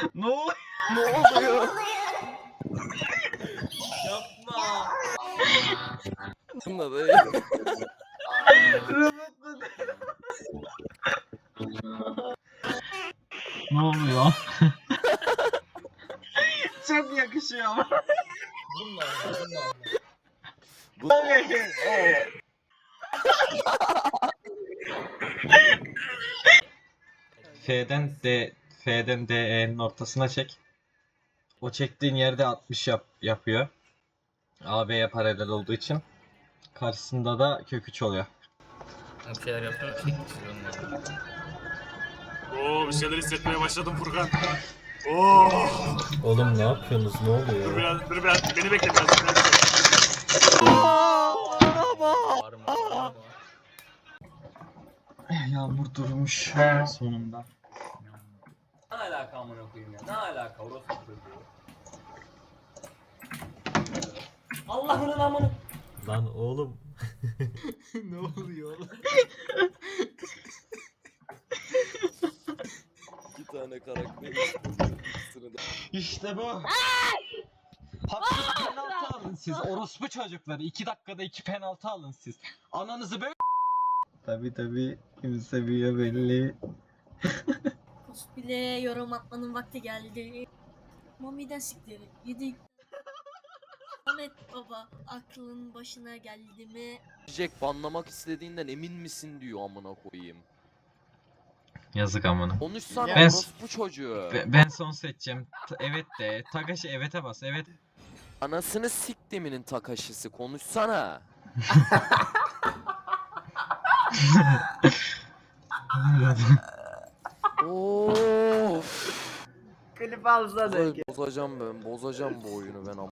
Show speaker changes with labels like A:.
A: Ne oluyor?
B: Ne oluyor?
C: Yapma.
B: Bunda da
A: Ne oluyor? Çok yakışıyor ama.
C: Bununla oyna, bununla oyna.
A: F'den DE'nin ortasına çek. O çektiğin yerde 60 yapıyor. AB'ye paralel olduğu için. Karşısında da kök 3 oluyor.
C: Bir şeyler yapsana. Tek çiziyorum yani.
D: Oo, bir şeyler hissetmeye başladım Furkan. Oo.
E: Oğlum ne yapıyorsunuz? Ne
D: Dur
E: oluyor?
D: biraz beni bekle biraz. Beni bekle.
C: Bağırma, bağırma.
A: Yağmur durmuş sonunda.
C: Ne alaka amına koyayım ya? Ne alaka orospu çocuğu? Allah'ın amına.
E: Lan oğlum.
D: Ne oluyor oğlum?
B: iki tane karakter. İkisini de
A: İşte bu. Haksız penaltı alın siz. Orospu çocukları. 2 dakikada 2 penaltı alın siz. Ananızı böyle... Tabi kim seviyor belli.
F: Bile yorum atmanın vakti geldi. Mami'den siktir. Yedik. Ahmet baba aklın başına geldi mi?
B: Jack banlamak istediğinden emin misin diyor amına koyayım.
A: Yazık amına.
B: Konuşsana
A: Ben-
B: orospu çocuğu.
A: Ben son seçeceğim. Evet de. Tagaşı evet'e bas. Evet.
B: Anasını siktiminin takaşısı konuşsana. Of.
G: Klip alsana.
B: Bozacağım bu oyunu ben